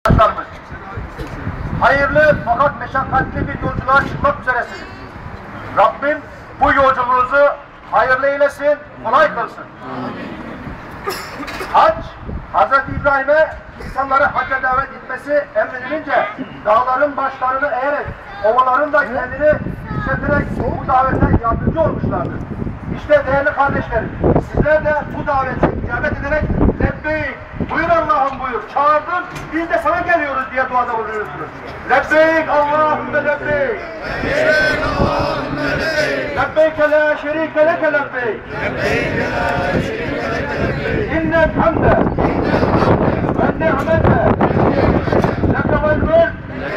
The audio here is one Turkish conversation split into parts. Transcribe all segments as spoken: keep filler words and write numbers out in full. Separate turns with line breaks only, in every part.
Hayırlı fakat meşakkatli bir yolculuğa çıkmak üzeresiniz. Rabbim bu yolculuğunuzu hayırlı eylesin, kolay kılsın. Hac, Hazreti İbrahim'e insanları hacca davet etmesi emredilince dağların başlarını eğerek, ovaların da kendini işleterek bu davete yardımcı olmuşlardır. İşte değerli kardeşlerim, sizler de bu davete icabet ederek lebbeyk, buyur Allah'ım buyur, çağırdın, biz de sana geliyoruz diye duada bulunuyorsunuz. Lebbeyk Allahümme lebbeyk.
Lebbeyk Allahümme lebbeyk.
Lebbeyke la şerike leke lebbeyk.
Lebbeyke la şerike leke lebbeyk.
İnnel hamde ve ni'mete leke vel mülk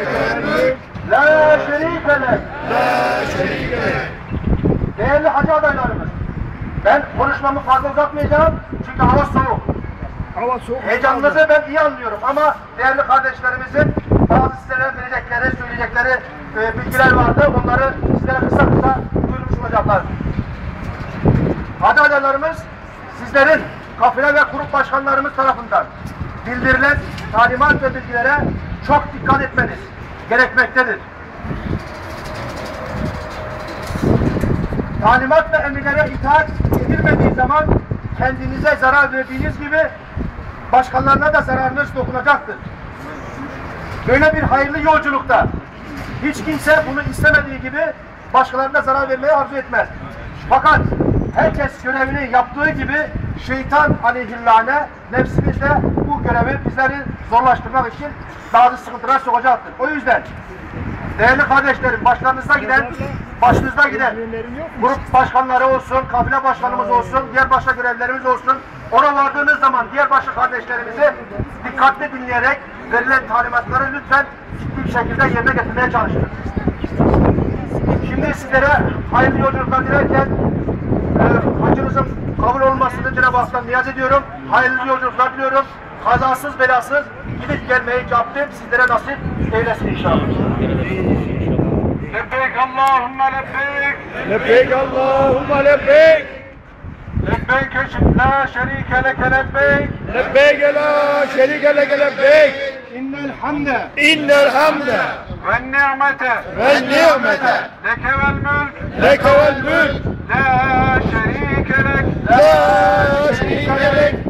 la şerike lek.
La şerike lek.
Değerli hacı adaylarımız, ben konuşmamı fazla uzatmayacağım çünkü hava soğuk.
Hava soğuk.
Heyecanınızı ben iyi anlıyorum ama değerli kardeşlerimizin bazı sizlere verecekleri, söyleyecekleri e, bilgiler vardı. Onları sizlere kısa kısa duyurmuş olacaklar. Hacı adaylarımız, sizlerin kafile ve grup başkanlarımız tarafından bildirilen talimat ve bilgilere çok dikkat etmeniz gerekmektedir. Talimat ve emirlere itaat edilmediği zaman kendinize zarar verdiğiniz gibi başkalarına da zararınız dokunacaktır. Böyle bir hayırlı yolculukta hiç kimse bunu istemediği gibi başkalarına zarar vermeyi arzu etmez. Fakat herkes görevini yaptığı gibi şeytan aleyhillâne nefsimiz de bu görevi bizleri zorlaştırmak için bazı sıkıntılar sokacaktır. O yüzden değerli kardeşlerim, başlarınızda giden, başınızda giden grup başkanları olsun, kafile başkanımız olsun, diğer başka görevlerimiz olsun, ona vardığınız zaman diğer başka kardeşlerimizi dikkatli dinleyerek verilen talimatları lütfen ciddi bir şekilde yerine getirmeye çalışın. Şimdi sizlere hayırlı yolculuklar dilerken e, hacınızın kabul olmasını Cenab-ı Hak'tan niyaz ediyorum. Hayırlı yolculuklar diliyorum. Kazasız belasız gidip gelmeyi Rabbim sizlere nasip eylesin inşallah. Lebbeyk Allahümme lebbeyk.
Lebbeyk Allahümme lebbeyk.
Lebbeyk la şerike leke lebbeyk.
Lebbeyk la şerike leke lebbeyk.
İnnel hamde
İnnel hamde
ve ni'mete
ve ni'mete
leke vel mülk
leke vel mülk
la şerike lek.
la şerike lek.